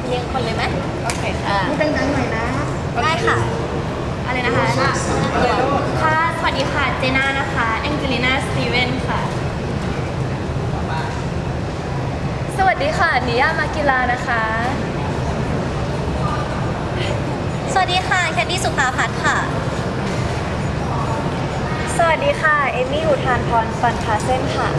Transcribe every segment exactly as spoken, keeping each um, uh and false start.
เรียงคนเลยไหมโอเคค่ะพูดดังๆหน่อยนะได้ค่ะอะไรนะคะค่ะสวัสดีค่ะเจน่านะคะแองเจลิน่าสตีเวนค่ะสวัสดีค่ะนิยามากิลานะคะสวัสดีค่ะแคนดี้สุภาพัฒน์ค่ะสวัสดีค่ะเอมี่อุทานพรฟันคาเซนค่ะ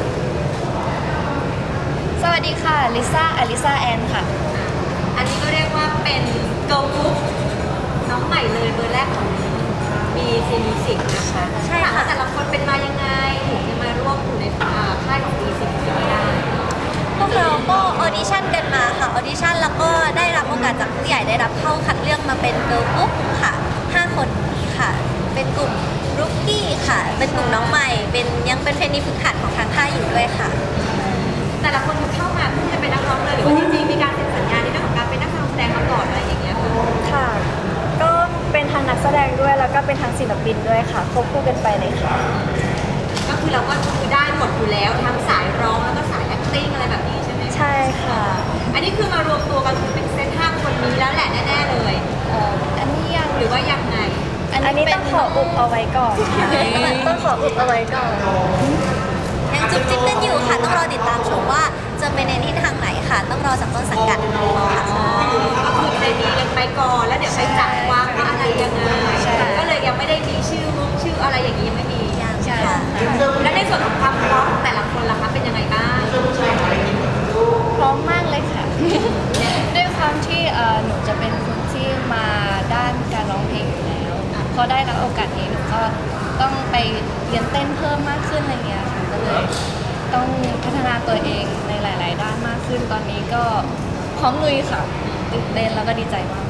สวัสดีค่ะลิซ่าอลิซาแอนค่ะอันนี้ก็เรียกว่าเป็นเกิร์ลกรุ๊ปน้องใหม่เลยเบอร์แรกของมีซีมิสิกนะคะใช่ค่ะแต่ละคนเป็นมายังไงถึงจะมาร่วมอยู่ในค่ายของมีซิกได้พวกเราก็ออดิชั่นกันมาค่ะออดิชั่นแล้วก็ได้รับโอกาสจากผู้ใหญ่ได้รับเข้าคัดเลือกมาเป็นเกิร์ลกรุ๊ปค่ะห้าคนนี้ค่ะเป็นกลุ่มรุกกี้ค่ะเป็นกลุ่มน้องใหม่เป็นยังเป็นเทรนนีฝึกหัดของทางค่ายอยู่ด้วยค่ะแต่ละคนเข้ามาเพื่อจะเป็นนักร้องเลยหรือว่าจริงๆมีการเซ็นสัญญาในเรื่องของการเป็นนักแสดงมาก่อนอะไรอย่างเงี้ยค่ะก็เป็นทางนักแสดงด้วยแล้วก็เป็นทางศิลปินด้วยค่ะควบคู่กันไปเลยค่ะก็คือเราก็คือได้หมดอยู่แล้วทั้งสายร้องแล้วก็สาย acting อะไรแบบนี้ใช่ไหมใช่ค่ะอันนี้คือมารวมตัวกันคือเป็นเซตห้าคนนี้แล้วแหละแน่ๆเลยเอ่ออันนี้ยังหรือว่ายังไงอันนี้ต้องขออุบเอาไว้ก่อนต้องขออุบเอาไว้ก่อนยังจุ๊บจิ๊บกันอยู่ค่ะต้องรอติดตามชมว่าจะเป็นในทิศทางไหนค่ะต้องรอจากต้นสังกัดค่ะก็คือในนี้ยังไปก่อนแล้วเดี๋ยวไปจัดวางว่าอะไรยังไงก็เลยยังไม่ได้มีชื่อมุกชื่ออะไรอย่างนี้ยังไม่มีใช่ค่ะและในส่วนของความพร้อมแต่ละคนล่ะคะเป็นยังไงบ้างพร้อมมากเลยค่ะด้วยความที่หนูจะเป็นคนที่มาด้านการร้องเพลงอยู่แล้วพอได้รับโอกาสนี้หนูก็ต้องไปเรียนเต้นเพิ่มมากขึ้นอะไรเงี้ยค่ะก็เลยต้องพัฒนาตัวเองในหลายๆด้านมากขึ้นตอนนี้ก็พร้อมลุยค่ะตื่นเต้นแล้วก็ดีใจมาก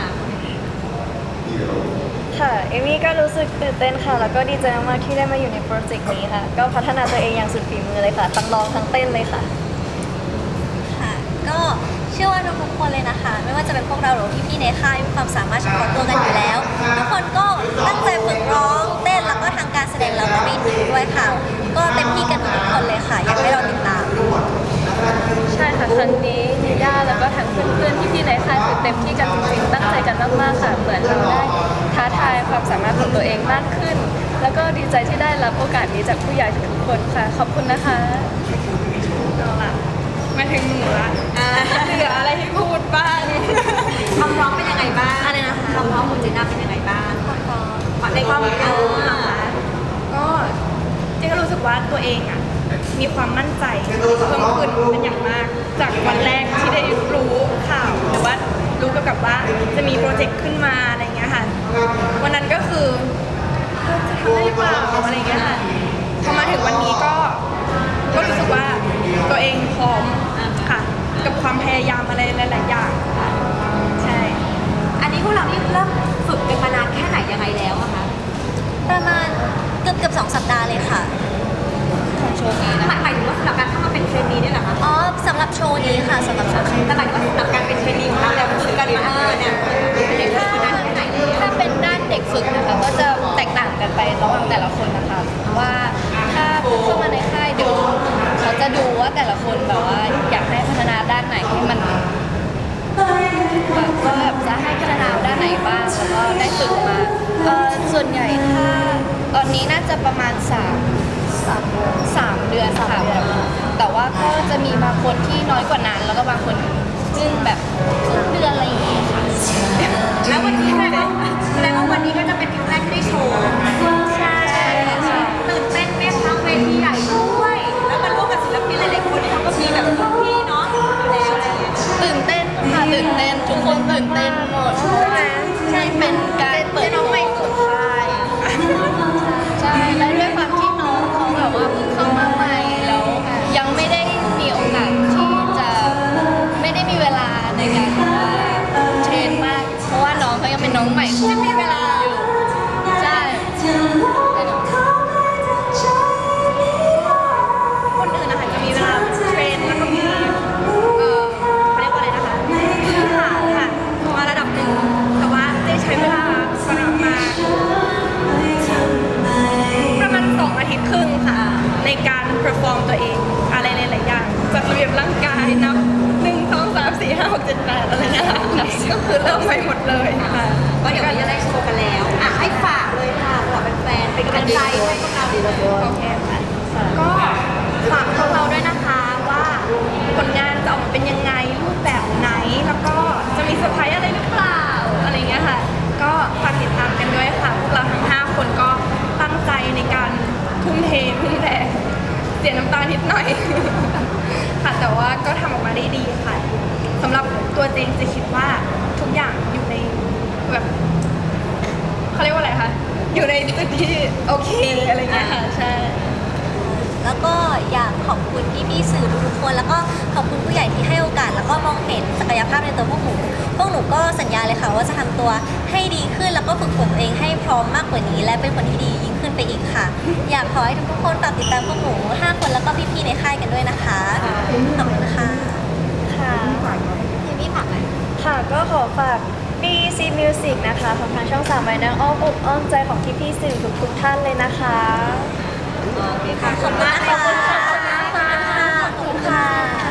ค่ะเอมี่ก็รู้สึกตื่นเต้นค่ะแล้วก็ดีใจมากๆที่ได้มาอยู่ในโปรเจกต์นี้ค่ะก็พัฒนาตัวเองอย่างสุดฝีมือเลยค่ะทั้งร้องทั้งเต้นเลยค่ะค่ะก็เชื่อว่าทุกคนเลยนะคะไม่ว่าจะเป็นพวกเราหรือพี่ๆในค่ายมีความสามารถเฉพาะตัวกันอยู่แล้วทุกคนก็ตั้งใจฝึกร้องเต้นแล้วก็ทางการแสดงเราก็ไม่ทิ้งด้วยค่ะก็เต็มที่กันทุกคนเลยค่ะอยากให้เราติดตามใช่ค่ะครั้งนี้นิย่าแล้วก็ทั้งเพื่อนๆพี่ๆในค่ายคือเต็มที่กันจริงๆตั้งใจกันมากๆค่ะเหมือนเราได้ท้าทายความสามารถของตัวเองมากขึ้นแล้วก็ดีใจที่ได้รับโอกาสนี้จากผู้ใหญ่ทุกคนค่ะขอบคุณนะคะเอาล่ะมาถึงหนูละเหลืออะไรที่พูดบ้างความพร้อมเป็นยังไงบ้างอะไรนะคะความพร้อมของเจน่าเป็นยังไงบ้างความพร้อมในความพร้อมก็เจก็รู้สึกว่าตัวเองอ่ะมีความมั่นใจเพิ่มขึ้นเป็นอย่างมากจากวันแรกที่ได้รู้ข่าวหรือว่ารู้เกี่ยวกับว่าจะมีโปรเจกต์ขึ้นมาอะไรเงี้ยค่ะวันนั้นก็คือจะทำได้หรือเปล่าอะไรเงี้ยค่ะพอมาถึงวันนี้ก็ก็รู้สึกว่าตัวเองพร้อมค่ะกับความพยายามอะไรหลายๆอย่างค่ะใช่อันนี้พวกเรานี่เริ่มฝึกกันมานานแค่ไหนยังไงแล้วอะคะประมาณเกือบเกือบสองสัปดาห์เลยค่ะโชว์นี้นะหมายถึงว่าสำหรับการเข้ามาเป็นเทรนนีเนี่ยเหรอคะอ๋อสำหรับโชว์นี้ค่ะสำหรับโชว์นี้แต่หมายถึงว่าสำหรับการเป็นเทรนนีของเราแล้วฝึกกันมาเออเนี่ยถ้าถ้าเป็นด้านเด็กฝึกนะคะก็จะแตกต่างกันไประหว่างแต่ละคนนะคะว่าถ้าเข้ามาในค่ายเดี๋ยวเขาจะดูว่าแต่ละคนแบบว่าอยากให้พัฒนาด้านไหนให้มันแบบว่าแบบจะให้พัฒนาด้านไหนบ้างแล้วก็ได้ฝึกมาเอ่อส่วนใหญ่ถ้าตอนนี้น่าจะประมาณสามสามเดือนค่ะแต่ว่าก็จะมีบางคนที่น้อยกว่านั้นแล้วก็บางคนซึ่งแบบครึ่งเดือนอะไรอย่างเงี้ยค่ะแล้ววันนี้แสดงว่าแสดงว่าวันนี้ก็จะเป็นครั้งแรกที่ได้โชว์ใช่ค่ะตื่นเต้นไหมคะเวทีใหญ่ด้วยแล้วมาร่วมกับศิลปินหลายๆคนที่เขาก็มีแบบพี่เนาะอยู่แล้วอะไรอย่างเงี้ยตื่นเต้นค่ะตื่นเต้นทุกคนตื่นเต้นหมดใช่ไหมใช่เป็นการเปิดน้องใหม่สุดท้ายใช่แล้วด้วยความที่น้องเขาแบบว่าเพิ่งเข้ามาใหม่แล้วยังไม่ได้มีโอกาสที่จะไม่ได้มีเวลาในการเทรนมากเพราะว่าน้องเขายังเป็นน้องใหม่จะมีเวลาอยู่ใช่คนอื่นนะคะจะมีเวลาเทรนแล้วก็มีเอ่อเขาเรียกว่าอะไรนะคะพื้นฐานค่ะมาระดับหนึ่งแต่ว่าเจ๊ใช้เวลาจ็ดแปดอะไรเงี้ยค่ะก็คือเริ่มไปหมดเลยค่ะก็เดี๋ยววันนี้จะได้โชว์กันแล้วอ่ะให้ฝากเลยค่ะสำหรับแฟนๆเป็นกำลังใจให้พวกเราดีเลยโอเคค่ะก็ฝากพวกเราด้วยนะคะว่าผลงานจะออกมาเป็นยังไงรูปแบบไหนแล้วก็จะมีเซอร์ไพรส์อะไรหรือเปล่าอะไรเงี้ยค่ะก็ฝากติดตามกันด้วยค่ะพวกเราทั้งห้าคนก็ตั้งใจในการทุ่มเททุ่มแรงเสียน้ำตานิดหน่อย ค่ะแต่ว่าก็ทำออกมาได้ดีค่ะสำหรับตัวเจงจะคิดว่าทุกอย่างอยู่ในแบบเขาเรียกว่าอะไรคะอยู่ในจุดที่โอเคอะไรเงี้ยค่ะใช่แล้วก็อยากขอบคุณพี่ๆสื่อทุกๆคน แล้วก็ขอบคุณผู้ใหญ่ที่ให้โอกาส แล้วก็มองเห็นศักยภาพในตัวพวกหนูพวกหนูก็สัญญาเลยค่ะว่าจะทำตัวให้ดีขึ้นแล้วก็ฝึกฝนตัวเองให้พร้อมมากกว่านี้ และเป็นคนที่ดียิ่งขึ้นไปอีกค่ะ อยากขอให้ทุกๆคนฝากติดตามพวกหนูห้าคนแล้วก็พี่ๆในค่ายกันด้วยนะคะขอบคุณค่ะค่ะทีนี้ฝากไหมค่ะก็ขอฝาก ดี ซี Music นะคะของทางช่องสามไว้ในอ้อมอกอ้อมใจของพี่ๆสื่อทุกๆท่านเลยนะคะโอเคค่ะขอบคุณมากค่ะขอบคุณค่ะขอบคุณค่ะ